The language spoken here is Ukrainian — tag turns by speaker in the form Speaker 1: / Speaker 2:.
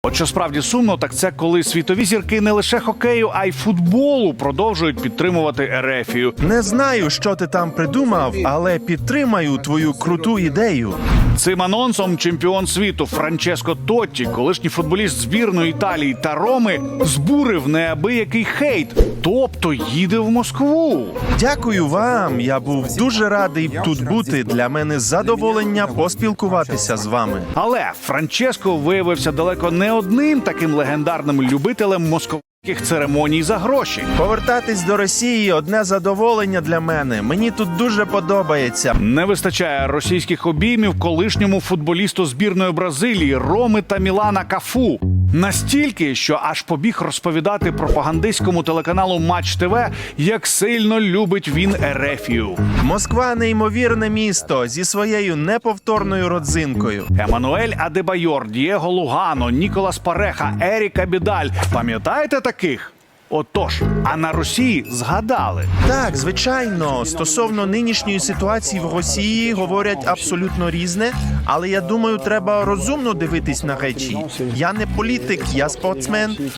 Speaker 1: От що справді сумно, так це коли світові зірки не лише хокею, а й футболу продовжують підтримувати Ерефію.
Speaker 2: Не знаю, що ти там придумав, але підтримаю твою круту ідею.
Speaker 1: Цим анонсом чемпіон світу Франческо Тотті, колишній футболіст збірної Італії та Роми, збурив неабиякий хейт, тобто їде в Москву.
Speaker 2: Дякую вам. Я був дуже радий тут бути. Для мене задоволення поспілкуватися з вами.
Speaker 1: Але Франческо виявився далеко не одним таким легендарним любителем московських церемоній за гроші.
Speaker 2: Повертатись до Росії – одне задоволення для мене. Мені тут дуже подобається.
Speaker 1: Не вистачає російських обіймів колишньому футболісту збірної Бразилії Роми та Мілана Кафу. Настільки, що аж побіг розповідати пропагандистському телеканалу Матч ТВ, як сильно любить він Ерефію.
Speaker 2: Москва – неймовірне місто зі своєю неповторною родзинкою.
Speaker 1: Еммануель Адебайор, Дієго Лугано, Ніколас Пареха, Ерік Абідаль. Пам'ятаєте таких? Отож, а на Росії згадали.
Speaker 2: Так, звичайно, стосовно нинішньої ситуації в Росії говорять абсолютно різне, але я думаю, треба розумно дивитись на речі. Я не політик, я спортсмен.